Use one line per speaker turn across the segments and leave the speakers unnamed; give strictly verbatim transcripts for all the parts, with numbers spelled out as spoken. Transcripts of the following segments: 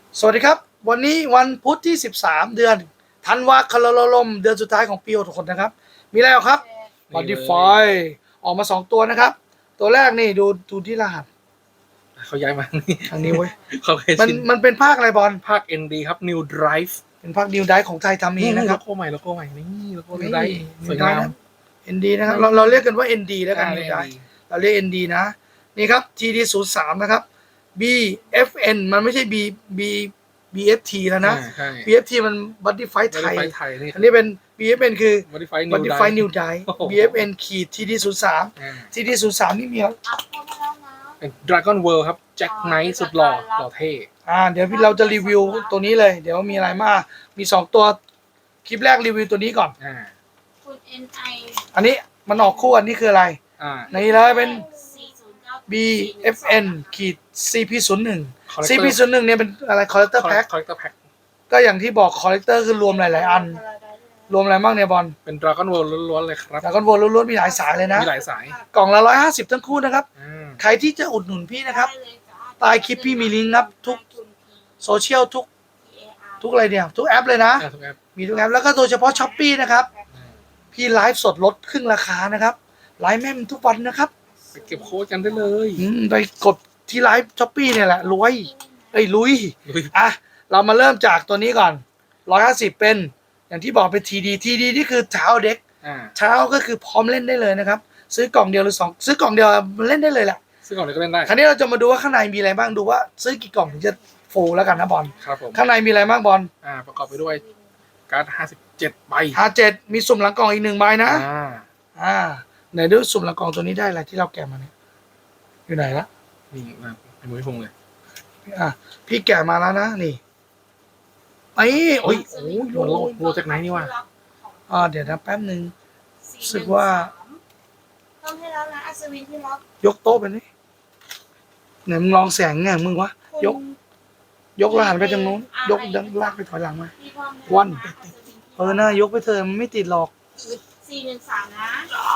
สวัสดีครับวันนี้วันพุธที่สิบสามเดือนธันวาคมเดือนสุดท้ายของปีหกหกนะครับมีอะไรครับบอดี้ไฟออกมาสองตัวนะครับตัวแรกนี่ดูดูที่รหัส
เขาย้ายมา
ทางนี้เว้ย
เขาเคย
มัน
ชิน
มันเป็นภาคอะไรบอล
ภาค เอ็น ดี ครับ New Drive
เป็นภาคดิวไดของไทยทำเองนะครับ
โลโก้ใหม่โลโก้ใหม่นี่โลโก้
นี่
New Drive สวยงาม
เอ็นดีนะครับเราเราเรียกกันว่า เอ็น ดี แล้วกัน
อ่า
นิวได
เอ็น ดี
เราเรียก เอ็น ดี นะนี่ครับ ที ดี ศูนย์ สาม นะครับ บี เอฟ เอ็น มันไม่ใช่ B B บี เอฟ ที แล้วนะ
อ่าใช่
บี เอฟ ที มัน Body Fight ไทย
Modify ไทยนี่
อันนี้เป็น บี เอฟ เอ็น คือ
Modify New
Modify
Drive
New Dive
โอ้โห
บี เอฟ เอ็น ขีด ที ดี ศูนย์ สาม
อ่า
ที ดี ศูนย์ สาม นี่มีอะไร
เป็น Dragon World ครับ Jack Knight สุดหล่อหล่อเท่
อ่าเดี๋ยวเราจะรีวิวตัวนี้เลย เดี๋ยวมีอะไรมากมีสองตัวคลิปแรกรีวิวตัวนี้ก่อน
อ่า
คุณ เอ็น ไอ
อันนี้มันออกคู่อันนี้คืออะไร
อ่า
นี่เลยเป็น
สี่ศูนย์เก้า
บี เอฟ เอ็น ขีด ซี พี ศูนย์ หนึ่ง
Collector
ซี พี ศูนย์ หนึ่งเนี่ยเป็นอะไร Collector Pack
Collector Pack
ก็อย่างที่บอก Collector คือรวมหลาย ๆ อัน รวมอะไรบ้างเนี่ยบอล
เป็น Dragon World ล้วนๆเลยครับ
แล้วก็วนล้วนๆมีหลายสายเลยนะ
มีหลายสาย
กล่องละร้อยห้าสิบทั้งคู่นะครับ
อ่า
ใครที่จะอุดหนุนพี่นะครับ ใต้คลิปพี่มีลิงก์ครับทุก โซเชียลทุกทุกอะไรเนี่ยทุกแอปเลยนะ
อ่าทุกแอป
มีทุกแอปแล้วก็โดยเฉพาะช้อปปี้นะครับ
อ่า
พี่ไลฟ์สดลดครึ่งราคานะครับไลฟ์แม่มทุกวันนะครับ
ไปเก็บโค้ดกันได้เลย
อืมไปกดที่ไลฟ์ช้อปปี้เนี่ยแหละรวยเอ้ยลุย
ลุย
อ่ะเรามาเริ่มจากตัวนี้ก่อนร้อยห้าสิบเป็นอย่างที่บอกเป็นทีดีทีดีนี่คือเช้าเด็ก
อ่า
เช้าก็คือพร้อมเล่นได้เลยนะครับซื้อกล่องเดียวหรือสองซื้อกล่องเดียวมันเล่นได้เลยแหละ
ซึ่งก่อนเลยก็เล่นได้
คราวนี้เราจะมาดูว่าข้างในมีอะไรบ้างดูว่าซื้อกี่กล่องถึงจะฟูลแล้วกันนะบอล
ครับผม
ข้างในมีอะไรบ้างบอล
อ่าประกอบไปด้วยการ์ดห้าสิบเจ็ดใบ
ห้าเจ็ดมีสุ่มหลังกล่องอีกหนึ่งใบนะ
อ่า
อ่าไหนดูสุ่มหลังกล่องตัวนี้ได้อะไรที่เราแกะมาเนี่ยอยู่ไหนละ
นี่นะในมือพี่พงษ์เลย
อ่ะพี่แกะมาแล้วนะนี่ไอ้โอ้ย
โอ้ยโลโลจากไหนนี่วะ
อ่าเดี๋ยวนะแป๊บหนึ่ง รู้สึกว่า
ต้องให้แล้วนะอัศวินที่ล็อก
ยกโต๊ะไปนี่ไหนมึงลองแสงไงมึงวะยก ยกแล้วหันไปทางนู้นยกดันลากไปถอยหลังมา วัน เออนะยกไปเถอะมันไม่ติดหรอก
สี่หนึ่งสามนะ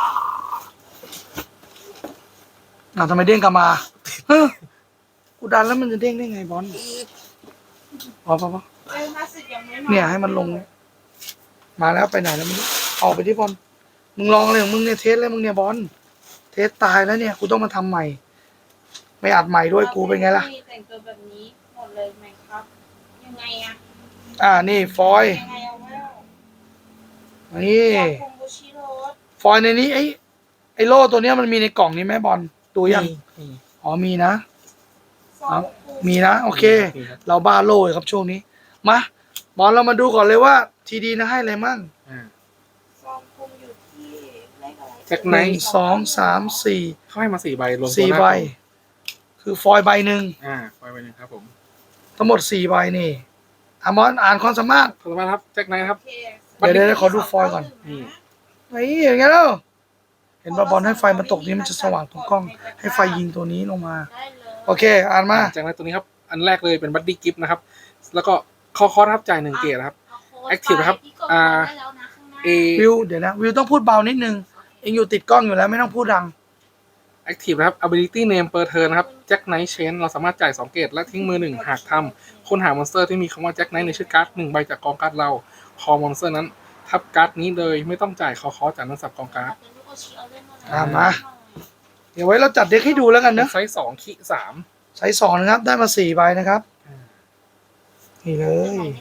อ่ะทำไมเด้งกลับมาเฮ้ยกูดันแล้วมันจะเด้งได้ไงบอลพอพอพอ
เอ้ยมาสึกยังไม่มา
เนี่ยให้มันลงเนี่ยมาแล้วไปไหนแล้วมึงออกไปที่บอลมึงลองเลยของมึงเนี่ยเทสเลยมึงเนี่ยบอลเทสตายแล้วเนี่ยกูต้องมาทำใหม่ ไม่อัดใหม่ด้วยกูเป็นไงล่ะ
แต่งตัวแบบนี้หมดเลยไหมครับ ยังไงอะ
อ่านี่ฟอยล์
ยังไงเอาไว้
นี่
อยากคุมบูชิโรส
ฟอยล์ในนี้ไอ้ไอ้โล่ตัวเนี้ยมันมีในกล่องนี้ไหมบอลดูยัง
นี่
อ๋อมีนะ
ซองคุม
มีนะโอเค
นี่ครับ
เราบ้าโล่เลยครับช่วงนี้มาบอลเรามาดูก่อนเลยว่าทีดีนะให้อะไรมั่ง
อ่า
ซองคุมอยู่ที่เลขอะไร
แจ็ค
ห
ไน
นึ่ง
ท์
สองสามสี่
เขาให้มาสี่ใบรวมตัว
สี่
หน้า
ใบ
กล่อง
คือฟอยล์ใบหนึ่ง
อ่าใบใบหนึ่งครับผม
ทั้งหมดสี่ใบนี่อามอนอ่านความสามารถ
ขอบคุณมากครับแจ็คไนท์ครับ
โอเค
เดี๋ยวเดี๋ยวขอดูฟอยล์ก่อน
นี่
นี่อย่างเงี้ยแล้วเห็นปะบอลให้ไฟมันตกนี้มันจะสว่างตรงกล้อง ให้ไฟยิงตัวนี้ลงมา
ได้เลย
โอเคอ่านมา
แจ็คไนท์ตัวนี้ครับอันแรกเลยเป็นบัดดี้กิฟต์นะครับแล้วก็คอคอร์สครับจ่ายหนึ่งเกตนะครับ
เาโด
Active นะครับ
ไปที่กด
อ่า
ได้แล้วนะข้างหน้า
เอ
วิวเดี๋ยวนะวิวต้องพูดเบานิดนึงเองอยู่ติดกล้องอยู่แล้วไม่ต้องพูดดัง
Active นะครับ ability name per turn นะครับ Jack Knight Chain เราสามารถจ่ายสองเกตและทิ้งมือหนึ่งหากทำค้นหามอนสเตอร์ที่มีคำว่า Jack Knight ในชื่อการ์ดหนึ่งใบจากกองการ์ดเราคอมอนสเตอร์นั้นทับการ์ดนี้เลยไม่ต้องจ่ายคอคอจากนักสับกองการ์ด
อ่ามา เดี๋ยวไว้เราจัดเด็กให้ดูแล้วกันนะ
ไซส์สองขีสาม
ใช้สองนะครับได้มาสี่ใบนะครับนี่เลย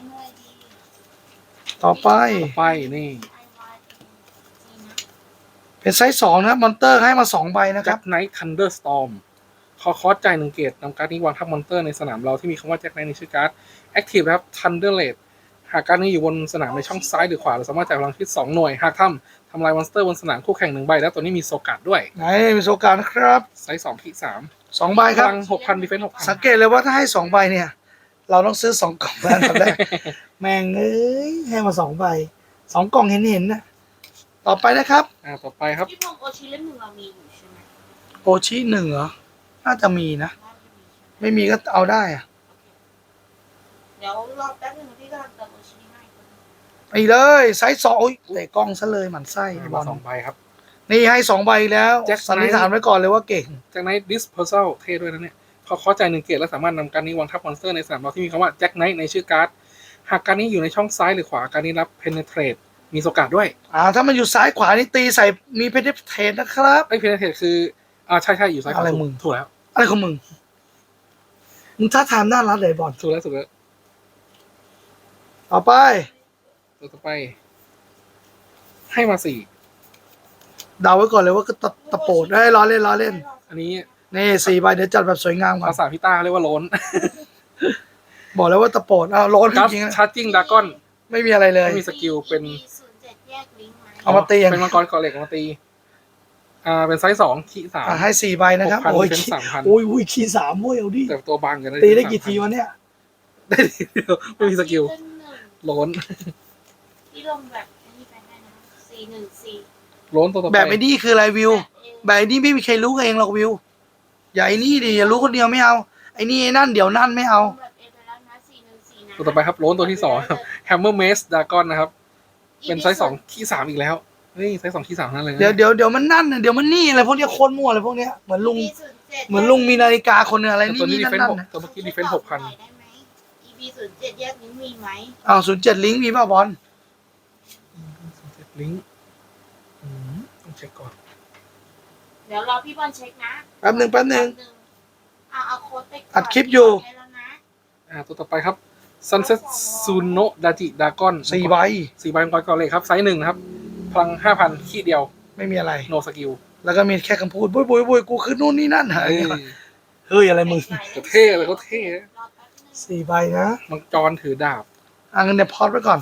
ต่อไป
ไปนี่
เป็นไซส์สองนะครับมอนเตอร์ให้มาสองใบนะครับ
Jack Knight Thunderstorm คอคอจ่ายหนึ่งเกตนำการ์ดนี้วางทับมอนเตอร์ในสนามเราที่มีคำว่า Jack Knight ในชื่อการ์ด Active นะครับ Thunderblade หากการ์ดนี้อยู่บนสนามในช่องซ้ายหรือขวาเราสามารถจ่ายพลังชีวิตสองหน่วยหากทำทำลายมอนสเตอร์บนสนามคู่แข่งหนึ่งใบแล้วตัวนี้มีโซการ์ดด้วย
ไหนมีโซการนะครับ
ไซส์สองขีสาม
สองใบ
พ
ครับ
ลังหกพันดีเฟนส์หกพัน
สังเกตเลยว่าถ้าให้สองใบเนี่ย เราต้องซื้อสองกล่องแล้วทำได้ แม่งเอ้ยให้มาสองใบสองกล่องเห็นเห็นๆนะต่อไปนะครับ
อ่าต่อไปครับ
พี่พงษ์โอชิเล่มหนึ่งเรามีอยู่ใช่ไหม
โอชิหนึ่งเหรอน่าจะมีนะ
น่าจะมีใช่ไหม
ไม่มีก็เอาได้อะ
เดี๋ยวรอแป๊บนึงนะพี่กำลังเติมโอชิให้
ไปเลยไซส์สองโอ้ยเตะกล้องซะเลยหมันไส้ไอ้บอ
มา
ล
สองใบครับ
นี่ให้สองใบแล้ว
Jack
สันนิษฐานไว้ก่อนเลยว่าเก่ง
จากนั้น Dispersal เท่ด้วยนะเนี่ยเขาเข้าใจหนึ่งเกตและสามารถนำการนี้วางทับมอนสเตอร์ในสนามเราที่มีคำว่าแจ็คไนท์ในชื่อการ์ดหากการนี้อยู่ในช่องซ้ายหรือขวาการนี้รับ penetrate มีโอกาสด้วย
อ่าถ้ามันอยู่ซ้ายขวานี่ตีใส่มีเพนเทนนะครับ
ไอ้ penetrate คืออ่าใช่ใช่อยู่ซ้ายขวา
อะไร
ถูก
มึง
ถูกแล้ว
อะไรของมึงมึงท่าทางน่ารักเลยบอล
ถูกแล้วถูกแล้ว
ต่อไป
ตัวต่อไป ให้มาสี่
เดาไว้ก่อนเลยว่าก็ตะตะโปดได้ล้อเล่นล้อเล่น
อันนี้
นี่สี่ใบเดี๋ยวจัดแบบสวยงามก่อน
ภาษาพี่ต้าเรียกว่าโลน
บอกแล้วว่าตะโปดอ้าวร้อนจ
กัส
ริงๆนะ
ชาร์จิ่งดากอน
ไม่มีอะไรเลย
ไม่มีสกิลเป็น
ศูนย์เจ็ดแยกลิงก์ไหม
เอามาตีอย่าง
เป็นมังกรเกาะเหล็กเอามาตี อ่า เป็นไซส์สองขีสาม
อ่ะให้สี่ใบนะครับ
หกพัน
โอ้ย
เป็น
ขี้
สามพัน
โอ้ยอุ้ยขี้สามโอ้ยเอาดิ
แต่ตัวบางกันนะ
ตีได้กี่ทีวะเนี่ย
ได้ทีเดียวไม่มีสกิล
ขึ้นหนึ่ง
โลน
ที่ลงแบบอันนี้ไปได้นะสี่หนึ่งสี่
โลนตัวต่อไป
แบบไอ้นี่คืออะไรวิว
แบบ
แบบไอ้นี่ไม่มีใครรู้กันเองหรอกวิว อย่าไอ้นี่ดิอย่ารู้คนเดียวไม่เอา ไอ้นี่ไอ้นั่นเดี๋ยวนั่นไม่เอา
แบบเอไปแล้วนะสี่หนึ่งสี่นะ
ตัวต่อไปครับโลนตัวที่สองครับแฮมเมอร์เมสดากอนนะครับ เป็นไซส์สองขีสามอีกแล้ว เฮ้ย ไซส์สองขีสามนั่นเลยนะ
เดี๋ยวเดี๋ยวเดี๋ยวมันนั่นน่ะเดี๋ยวมันนี่อะไรพวกเนี้ยโคนมั่วอะไรพวกเนี้ยเหมือนลุง
อี บี ศูนย์เจ็ด
เหมือนลุงมีนาฬิกาคนหนึงอะไร
แต่
นี่
ตัวนี้
นี่
ดี
นั่
เฟ
น
น
นั่น
หกตัวเมื่อกี้ดีเฟนหกพัน
ได้ไหม อี บี ศูนย์เจ็ดแยกลิงก์มีไหม
อ้าวศูนย์เจ็ดลิงก์มีป่ะบอล
ลิงก์อืมต้องเช็คก่อน
เดี๋ยวรอพี่บอลเช็คนะ
แป๊บหนึ่งแป๊บหนึ่ง
เอาเอาโค้ดไปก่น
อัดคลิปอยู่
ให้แล้วนะ
อ่า ตัวต่อไปครับ Sunset Suno Daji Dragon
สี่ใบ
สี่ใบมังกรเกาเหล็กครับ ไซส์หนึ่งนะครับ พลังห้าพันขีดเดียว
ไม่มีอะไร
โนสกิล
แล้วก็มีแค่คำพูดบุยบุยบุยกูคือนู่นนี่นั่นหาย
เฮ้ย
เฮ้ยอะไรมึง
เขาเท่เลยเขาเท่
รอแป๊บนึง
สี่ใบนะ
มังจรถือดาบ
อ่ะงั้นเดี๋ยวพอดไว้ก่อน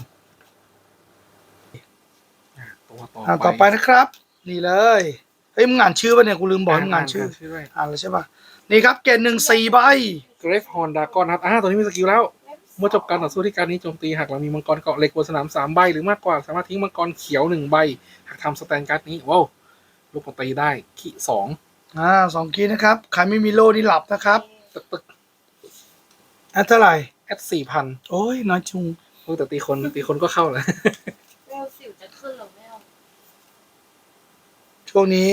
อ่าตัวต่อ
อ่าต่อไปนะครับ นี่เลยเฮ้ยมึงอ่านชื่อป่ะเนี่ยกูลืมบอกให้มึงอ่านชื่อ
ชื่อด้วย
อ่านแล้วใช่ป่ะนี่ครับเกณฑ์หนึ่งสี่ใบ
Grave Horn Dragon ครับ อ่า ตัวนี้มีสกิลแล้ว เมื่อจบการต่อสู้ที่การนี้โจมตีหากเรามีมังกรเกาะเหล็กบนสนามสามใบหรือมากกว่าสามารถทิ้งมังกรเขียวหนึ่งใบ หากทำสแตนการ์ดนี้ว้าวลูกตีได้ขีสอง
อ่าสองคีย์นะครับใครไม่มีโล่นี่หลับนะครับ
ตึกตึก
อ่ะเท่าไหร่
แอดสี่พัน
โอ้ยน้อยจุง
แต่ตีคนตีคนก็เข้าแหละ
เวลสิวจะขึ้นหรือไม่ลง
ช่วงนี้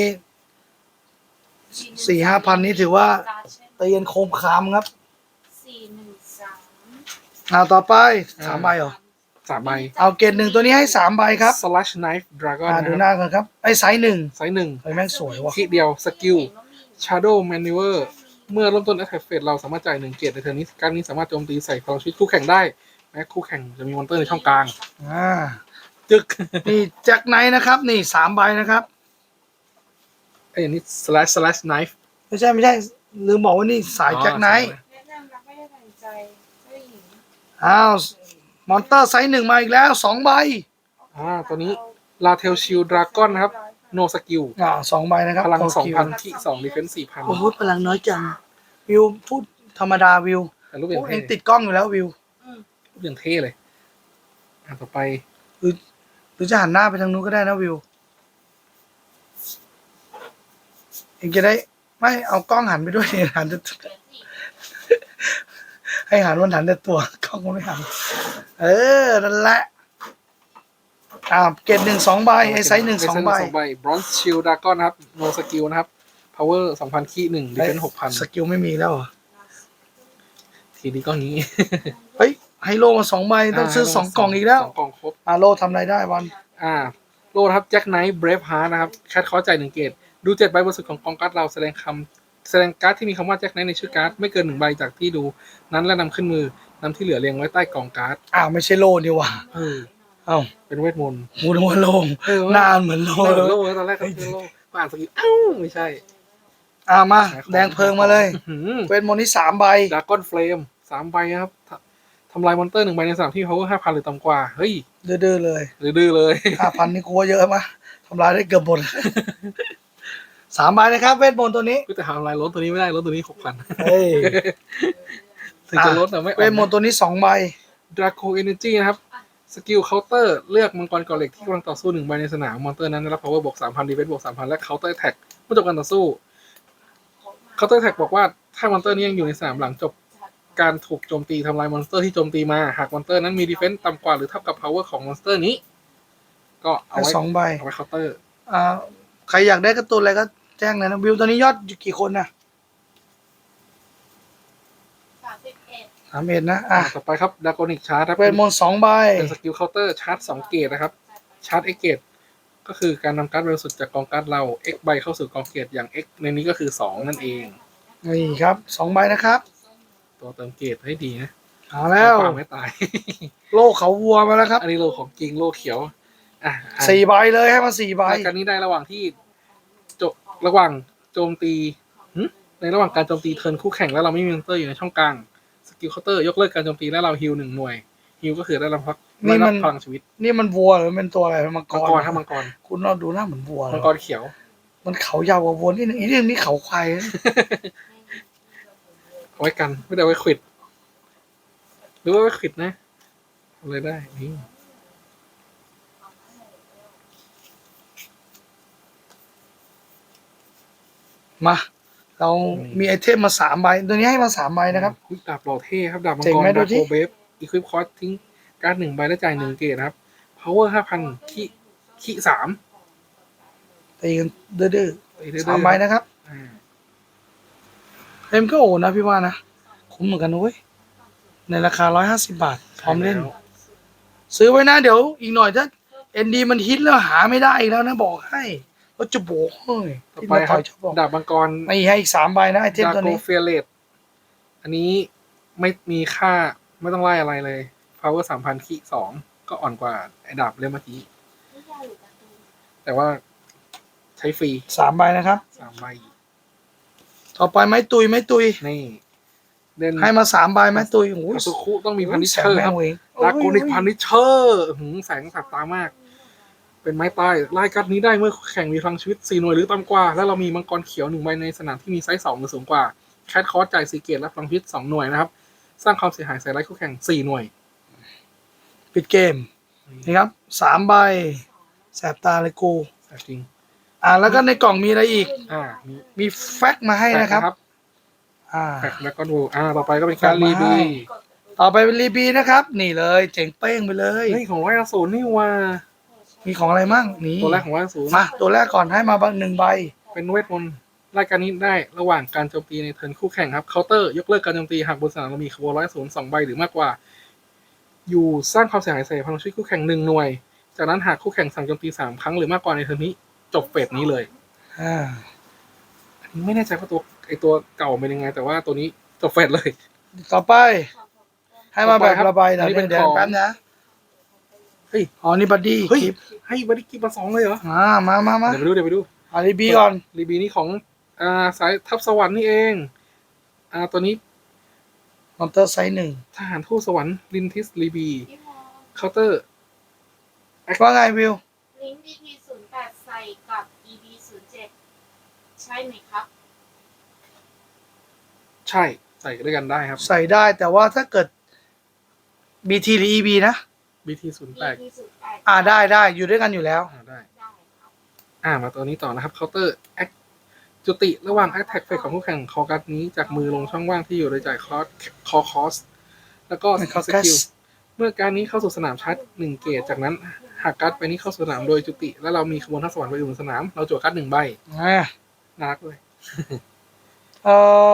สี่ห้าพันนี่ถือว่า เตียนโคมคามครับ
สี่หนึ่งสาม
อ่าต่อไป
อ่า
สามใบเหรอ
สามใบ
เอาเกณฑ์หนึ่งตัวนี้ให้สามใบครับ
Slash Knife Dragon
อ่าดู
นะ
ห
ครับ
น้ากันครับไอ้ไซส์หนึ่ง
ไซส์หนึ่ง
ไอ้แม่งสวยว่ะ
ขีเดียวสกิล Shadow Maneuver เมื่อเริ่มต้น Attack Phase เราสามารถจ่ายหนึ่งเกียรติในเทอร์นนี้การนี้สามารถโจมตีใส่พลังชีวิตคู่แข่งได้ แม้คู่แข่งจะมีมอนเตอร์ในช่องกลาง
อ่า
จึก
นี่แจ็คไนท์นะครับ นี่สามใบนะครับ
ไอ้ยอันนี้ Slash Slash Knife
ไม่ใช่ไม่ใช่ลืมบอกว่านี่สายแจ็คไนท์
แนะนำรักไม่ได้ตัดใจเจ้าหญิง
อ้าวมอนเตอร์ไซส์หนึ่งมาอีกแล้วสองใบ
อ่าตัวนี้ Latel Shield Dragon นะครับ No Skill
อ่าสองใบนะครับ
พลัง
โอ
สอง
เค
พันขีสอง Defense สี่พัน
โอ้โหพลังน้อยจังวิวพูดธรรมดาวิว
แต่รูปอย่าง
พูด
เท่
เองติดกล้องอยู่แล้ววิว
รูปอย่างเท่เลย อ่าต่อไป
หรือจะหันหน้าไปทางนู้นก็ได้นะวิวเองจะได้ไม่เอากล้องหันไปด้วย หันแต่
เดี๋ยวสิ
ให้หันวันหันแต่ตัวกล้องมันไม่หัน เออนั่นแหละอ่าเกตหนึ่งสองใบไอ้ไซส์หนึ่งสองใบ
ใบ Bronze Shield Dragon นะครับ No Skill นะครับ Power สองพันขีหนึ่ง Defense หกพัน
สกิลไม่มีแล้วเหรอ
ทีนี้ก็นี้
เฮ้ยให้โลมาสองใบต้องซื้อสองกล่องอีกแล้ว
สองกล่องครบ
อ่าโลทำอะไรได้วัน
อ่า โลนะครับแจ็คไนท์เบรฟฮาร์นะครับแคทคอใจหนึ่งเกตดูเจ็ดใบบนสุดของกองการ์ดเราแสดงคำแสดงการ์ดที่มีคำว่าแจ็คไนท์ในชื่อการ์ดไม่เกินหนึ่งใบจากที่ดูนั้นและนำขึ้นมือนำที่เหลือเรียงไว้ใต้กองการ์ด
อ้าวไม่ใช่โลนี่หว่า
เออ
เอ้า
เป็นเวทมนต์
มูนึกว่าโลง
เออ
หนานเหมือนโล
โล
เลย
โลตอนแรกก็คือโลก็อ่านสกิลอ้าวไม่ใช่
อ่ามาแดงเพลิงมาเลย
อื้อหือ
เวทมนต์นี่สามใบ
ดากอนเฟลมสามใบนะครับททำลายมอนเตอร์หนึ่งใบในสนามที่ power ห้าพันหรือต่ำกว่า เฮ้ย
ดื้อๆเลย
หรือดื้อเลย
ห้าพันนี่กูว่าเยอะมะทำลายได้เกือบหมด สามใบนะครับ เวทมนต์ตัวนี้
ก็แต่ทำลายรถตัวนี้ไม่ได้รถตัวนี้หกพัน
เฮ้ย
ถึงจะลดแต่ไม่
เวทมนต์ตัวนี้สองใบ
ดราโ o เอเนจีนะครับ สกิลเคาน์เตอร์เลือกมังกรเกาะเหล็กที่กำลังต่อสู้หนึ่งใบในสนามมอนเตอร์นั้นได้รับ power บวกสามพัน defense บวกสามพันและเคาน์เตอร์แท็กเมื่อจบการต่อสู้เคาน์เตอร์แท็กบอกว่าถ้ามอนเตอร์นี้ยังอยู่ในสนามหลังจบการถูกโจมตีทำลายมอนสเตอร์ที่โจมตีมาหากมอนสเตอร์นั้นมี defense ต่ำกว่าหรือเท่ากับ power ของมอนสเตอร์นี้ ก็เอา
ให้
ไว้
สองใบ
เอาไว้เคาน์เตอร์
อ่าใครอยากได้การ์ตูนอะไรก็แจ้งเลยนะวิวตอนนี้ยอดอยู่กี่คนนะสามเอ็ดนะอ่ะ
ต่อไปครับดากอนิกชาร์จครับ
เวทมนต์สองใบ
เป็นสกิลเคาน์เตอร์ชาร์จสองเกตนะครับชาร์จ X เกตก็คือการนำการ์ดบริสุทธิ์จากกองการ์ดเรา X ใบเข้าสู่กองเกตอย่าง X ในนี้ก็คือสองนั่นเอง
นี่ครับสองใบนะครับ
ตัวเติมเกตให้ดีนะ
เอาแล้ว
ปากไม่ตาย
โลกเขาวัวมาแล้วครับ
อันนี้โลของจริงโลเขียวอ่ะอ่ะ
สี่ใบเลยให้มาสี่ใบ
รายการนี้ได้ระหว่างที่จบระหว่างโจมตีหึในระหว่างการโจมตีเทิร์นคู่แข่งแล้วเราไม่มีมอนสเตอร์อยู่ในช่องกลางสกิลเคาน์เตอร์ยกเลิกการโจมตีและเราฮิลหนึ่งหน่วยฮิลก็คือได้รับพักได้รับพลังชีวิต
นี่มันวัวหรือเป็นตัวอะไรมังก
มัง
ร
กรถ้ามังกร
คุณเราดูหน้าเหมือนวัว
มังกรเขียว
มันเขายาวกว่าวัวนี่นึงอีกเรื่องนี้เขาควายนะ
เอาไว้กันไม่ได้เอาไว้ขวิดหรือว่าไว้ขวิดนะทำอะไรได้นี่
มา เรามีไอเทมมาสามใบตัวนี้ให้มาสามใบนะครับ
อุ๊ยดาบหล่อเท่ครับดาบมัง
เจ๋ง
กร
ไหมดู
ดาบ
ดิ
โคเบฟอีควิปคอร์สทิ้งการ์ดหนึ่งใบและจ่ายหนึ่งเกตนะครับ power ห้าพันขี้ขี้สาม
ตีกันดื้อ
ไปเรื่อย
ๆ
ๆ
สามใบนะครับ
อ่า
เอ็มก็โอนะพี่ว่านะคุ้มเหมือนกันนะเว้ยในราคาร้อยห้าสิบบาทพร้อมเล่น ซื้อไว้นะเดี๋ยวอีกหน่อยถ้าเอ็นดีมันฮิตแล้วหาไม่ได้อีกแล้วนะบอกให้ก็จะโบกเฮ้ย
ต่อ
ที่
ไป
มา
ค
ต่
รั
อบ ยชอบบอก
ดาบมังกร
ไม่ให้อีกสามใบนะไอเทม
ดา
ตัว
โก
นี้
เฟียเลตอันนี้ไม่มีค่าไม่ต้องไล่อะไรเลย power สามพันขี้สองก็อ่อนกว่าไอ้ดาบเล่มเมื่อกี้ แต่ว่าใช้ฟรี
สามใบนะครับ
สามใบ
ต่อไปไม้ตุยไม้ตุย
นี่เด่น
ให้มาสามใบไม้ตุยโอ้ย
คาซุคุต้องมีพันนิช
แส
เชอร์
แม่
ครับ
งเวง
ดาโกนิกพันนิชเชอร์หืมแสงสับตามาก เป็นไม้ตายไล่กัดนี้ได้เมื่อแข่งมีพลังชีวิตสี่หน่วยหรือต่ำกว่า แล้วเรามีมังกรเขียวหนึ่งใบในสนามที่มีไซส์สองหรือสูงกว่า แคทคอร์สจ่ายสี่เกตและพลังชีวิตสองหน่วยนะครับ สร้างความเสียหายใส่ไล่คู่แข่งสี่หน่วย
ปิดเกมนี่ครับสามใบแสบตาเลยกู
แต่จริง
อ่าแล้วก็ในกล่องมีอะไรอีก
อ่ามี
มีแฟกซ์มาให้นะครับ อ่า
แฟกแล้วก็ดูอ่าต่อไปก็เป็นการรีบี
ต่อไปเป็นรีบีนะครับ นี่เลยเจ๋งเป้งไปเลย
เฮ้ยของร้อยอสูรนี่ว่า
มีของอะไรมั่งนี่
ตัวแรกของร้อยอสูร
มาตัวแรกก่อนให้มาบ้างหนึ่งใบ
เป็นเวทมนต์รายการนี้ได้ระหว่างการโจมตีในเทิร์นคู่แข่งครับเคาน์เตอร์ยกเลิกการโจมตีหากบนสนามเรามีขบวนร้อยอสูรสองใบหรือมากกว่า อยู่สร้างความเสียหายใส่พลังชีวิตคู่แข่งหนึ่งหน่วย จากนั้นหากคู่แข่งสั่งโจมตีสามครั้งหรือมากกว่าในเทิร์นนี้จบเฟสนี้เลย
อ่า
อันนี้ไม่แน่ใจว่าตัวไอตัวเก่าเป็นยังไง แต่ว่าตัวนี้จบเฟสเลย
ต่อไป ให้มาแบบ
ต่อไปครับ
ระบายหน่อย
อันนี้เป็น
เดี๋ยว
ของ
แป๊บนะ
เฮ้ย
อ๋อนี่บัดดี้
เฮ้ย
คลิป
ให้บัดดี้กิฟมาสองเลยเหรอ
อ่ามามามา
เดี๋ยวไปดูเดี๋ยวไปดู
เอารีบีก่อน
รีบีนี่ของอ่าสายทัพสวรรค์นี่เองอ่าตัวนี้
มอนเตอร์ไซส์หนึ่ง
ทหารทูตสวรรค์ลินทิสรีบีเคาน์เตอร์
ว่าไงวิว
ลิงก์ บี พี ศูนย์แปดใส่กับ อี บี ศูนย์เจ็ดใช่ไหมครับ
ใช่ใส่ด้วยกันได้ครับ
ใส่ได้แต่ว่าถ้าเกิด บี ที หรือ อี บี นะ
บี ที ศูนย์แปด
บี พี ศูนย์แปด
อ่าได้ได้อยู่ด้วยกันอยู่แล้ว
อ่าได้
ได้ครับ
อ่ามาตัวนี้ต่อนะครับเคาน์เตอร์แอคจุติระหว่างแอคแท็กเฟสของคู่แข่งคอการ์ดนี้จากมือลงช่องว่างที่อยู่โดยจ่ายคอสคอคอสแล้วก็สกิลเมื่อการนี้เข้าสู่สนามชาร์จหนึ่งเกตจากนั้นหากการ์ดไปนี้เข้าสู่สนามโดยจุติ แล้วเรามีขบวนทัพสวรรค์ไปอยู่บนสนาม เราจั่วการ์ดหนึ่งใบ
อ่า
น่ารักเลย
เอ่อ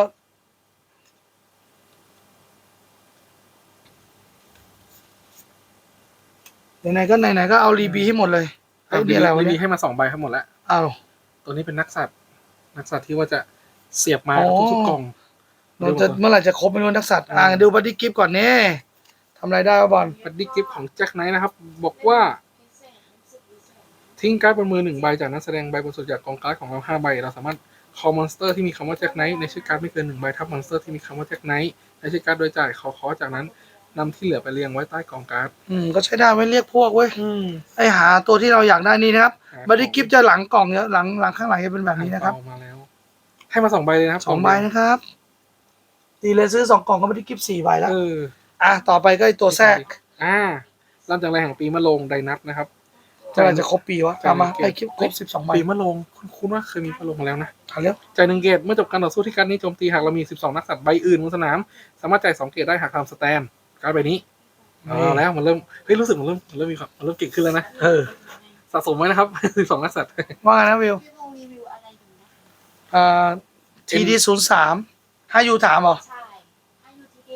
ไหนๆก็ไหนๆก็เอารีบีให้หมดเลยเอ้ย
รี
นี่อะไรวะ
บี
เนี่ย
ให้มาสองใบทั้งหมดแล้ว
อ้าว
ตัวนี้เป็นนักสัตว์ นักสัตว์ที่ว่าจะเสียบมา
อ๋อ
ทุกๆกล่อง
เราจะเมื่อไหร่จะครบไม่รู้นักสัตว์อ่าดูบัดดี้กิฟก่อนเนี่ยทำอะไรได้วะบอล
บัดดี้กิฟต์ของแจ็คไนท์นะครับ บอกว่า
พิเศษรู้สึกพิเศษ
ทิ้งการ์ดบนมือหนึ่งใบจากนั้นแสดงใบบนสุดจากกองการ์ดของเราห้าใบ เราสามารถคอมมอนสเตอร์ที่มีคำว่าแจ็คไนท์ในชื่อการ์ดไม่เกินหนึ่งใบทับมอนสเตอร์ที่มีคำว่าแจ็คไนท์ในชื่อการ์ดโดยจ่ายคอคอจากนั้นนำที่เหลือไปเรียงไว้ใต้กองการ์ด
อืมก็ใช้ได้ไว้เรียกพวกเว้ย
อืม
ไอหาตัวที่เราอยากได้นี่นะครับ
หา
บัดดี้กิฟจะหลังกล่องเนี่ยหลังหลังข้างหลังจะเป็นแบบนี้นะครับ
เอามาแล้ว ให้มาสองใบเลยนะครับ
สองใบนะครับดีเลยซื้อสองกล่องก็บัดดี้กิฟสี่ใบแล้ว
เออ
อ่ะต่อไปก็ไอตัวแทรก
อ่าลำจากแรงแห่งปีมะโรงไดนัทนะครับ
จะอะไรจะครบปีวะตามมาไอคลิปครบสิบสองใบ
ปีมะโรงคุณคุณว่าเคยมีมะโรงมาแล้วนะ
เอาเร็ว
จ่ายหนึ่งเกตเมื่อจบการต่อสู้ที่การดนี้โจมตีหากเรามีสิบสองนักสัตว์ใบอื่นบนสนาม สามารถจ่ายสองเกตได้หากทำสแตนการ์ดใบนี้เอาแล้วมันเริ่มเฮ้ยรู้สึกมันเริ่มมันเริ่มมีความมันเริ่มเก่งขึ้นแล้วนะ
เออ
สะสมไว้นะครับ สิบสองนักสัตว์
ว่าไงนะวิว
พี่พงษ์รีวิวอะไรอยู่นะ
อ่าทีดีศูนย์สามให้ยูถามเหรอ
ใช่ถ้าอยู่ที่ บี ศูนย์สาม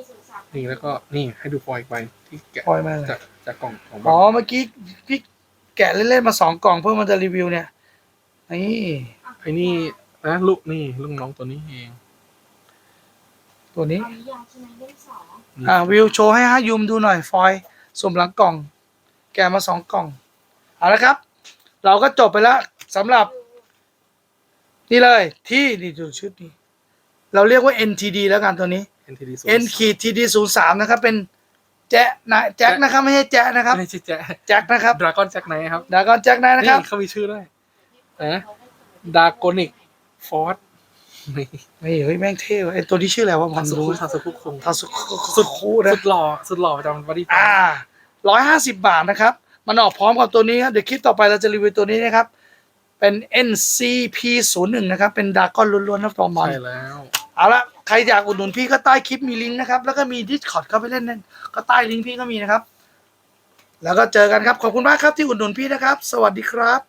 นี่แล้วก็นี่ให้ดูฟอยล์อีกใบที่แกะ
ปล่อยมาเลย
จากจากกล่องของ
อ๋
บ้า
อเมื่อกี้พี่แกะเล่นๆมาสองกล่องเพื่อมันจะรีวิวเนี่ยนี่
ไอ้นี่นะลูกนี่ลูกน้องตัวนี้เอง
ตัวนี้
เอานิยายใช่ไหมเล่มสอง
นี่
อ่าวิวโชว์ให้ฮะยูมดูหน่อยฟอยล์สวมหลังกล่อง แกะมาสองกล่องเอาละครับ เราก็จบไปแล้วสำหรับนี่เลยที่นี่ดูชุดนี้ เราเรียกว่า เอ็น ที ดี แล้วกันตัวนี้
เอ็น ที ดี
N ขีด ที ดี ศูนย์สามนะครับ เป็นแจ๊ะนะแจ็คนะครับ ไม่ใช่แจ๊ะนะครับ
ไม่ใช่แจ๊ะ
แจ็คนะครับ
ดราก้อนแจ็คไนท์ครับ
ดากอนแจ็คนะนะครับ
นี่เขามีชื่อด้วยนะดากอนิกฟอร์ดนี่
เฮ้ยเฮ้ยแม่งเท่ว่ะไอตัวที่ชื่ออะไรวะผ
ทาม สุ
รู้
คุทาสุคุคง
ทาสุสุดคูนะ
สุดหล่อสุดหล่อประจำบอดี้
อ่าร้อยห้าสิบบาทนะครับ มันออกพร้อมกับตัวนี้ครับ เดี๋ยวคลิปต่อไปเราจะรีวิวตัวนี้นะครับ เป็น เอ็น ซี พี ศูนย์หนึ่ง นะครับ เป็นดากอนล้วนๆนะฟอร์มอน
ใช่แล้ว
เอาละใครอยากอุดหนุนพี่ก็ใต้คลิปมีลิงก์นะครับ แล้วก็มี Discord เข้าไปเล่นนั่นก็ใต้ลิงก์พี่ก็มีนะครับ แล้วก็เจอกันครับ ขอบคุณมากครับที่อุดหนุนพี่นะครับ สวัสดีครับ